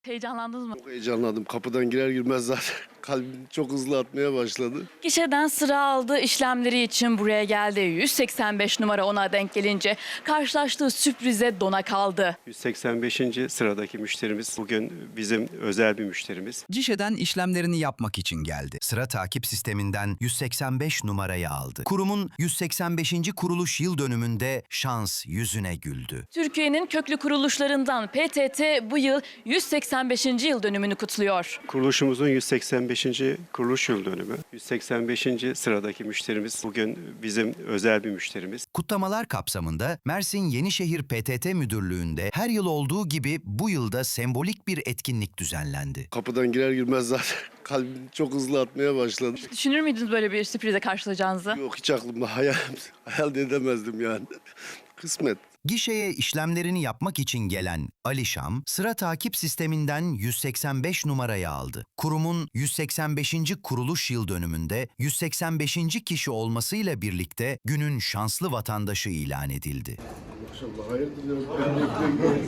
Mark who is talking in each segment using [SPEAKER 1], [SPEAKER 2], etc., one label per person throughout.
[SPEAKER 1] Heyecanlandınız mı?
[SPEAKER 2] Çok heyecanlandım. Kapıdan girer girmez zaten kalbim çok hızlı atmaya başladı.
[SPEAKER 1] Gişeden sıra aldı, işlemleri için buraya geldi. 185 numara ona denk gelince karşılaştığı sürprize dona kaldı.
[SPEAKER 3] 185. sıradaki müşterimiz bugün bizim özel bir müşterimiz.
[SPEAKER 4] Gişeden işlemlerini yapmak için geldi. Sıra takip sisteminden 185 numarayı aldı. Kurumun 185. kuruluş yıl dönümünde şans yüzüne güldü.
[SPEAKER 1] Türkiye'nin köklü kuruluşlarından PTT bu yıl 185. yıl dönümünü kutluyor.
[SPEAKER 3] Kuruluşumuzun 185. kuruluş yıl dönümü. 185. sıradaki müşterimiz bugün bizim özel bir müşterimiz.
[SPEAKER 4] Kutlamalar kapsamında Mersin Yenişehir PTT Müdürlüğü'nde her yıl olduğu gibi bu yılda sembolik bir etkinlik düzenlendi.
[SPEAKER 2] Kapıdan girer girmez zaten kalbim çok hızlı atmaya başladı.
[SPEAKER 1] Düşünür müydünüz böyle bir sürprize karşılayacağınızı?
[SPEAKER 2] Yok, hiç aklımda hayal de edemezdim yani. Kısmet.
[SPEAKER 4] Gişeye işlemlerini yapmak için gelen Ali Şam, sıra takip sisteminden 185 numarayı aldı. Kurumun 185. kuruluş yıl dönümünde 185. kişi olmasıyla birlikte günün şanslı vatandaşı ilan edildi.
[SPEAKER 2] Maşallah, hayırdır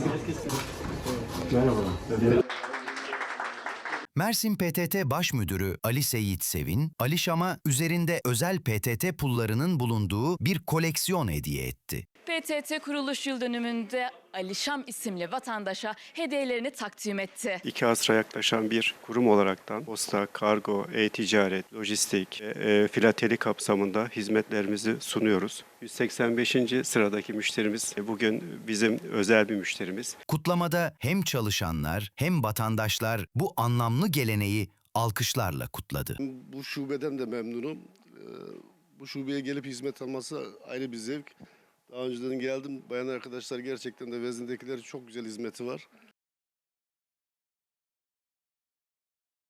[SPEAKER 2] ya.
[SPEAKER 4] Mersin PTT Baş Müdürü Ali Seyit Sevin, Ali Şam'a üzerinde özel PTT pullarının bulunduğu bir koleksiyon hediye etti.
[SPEAKER 1] PTT kuruluş yıl dönümünde Alişam isimli vatandaşa hediyelerini takdim etti.
[SPEAKER 3] 2 asra yaklaşan bir kurum olaraktan posta, kargo, e-ticaret, lojistik, filateli kapsamında hizmetlerimizi sunuyoruz. 185. sıradaki müşterimiz bugün bizim özel bir müşterimiz.
[SPEAKER 4] Kutlamada hem çalışanlar hem vatandaşlar bu anlamlı geleneği alkışlarla kutladı.
[SPEAKER 2] Bu şubeden de memnunum. Bu şubeye gelip hizmet alması ayrı bir zevk. Daha önceden geldim. Bayan arkadaşlar gerçekten de Vezin'dekilerin çok güzel hizmeti var.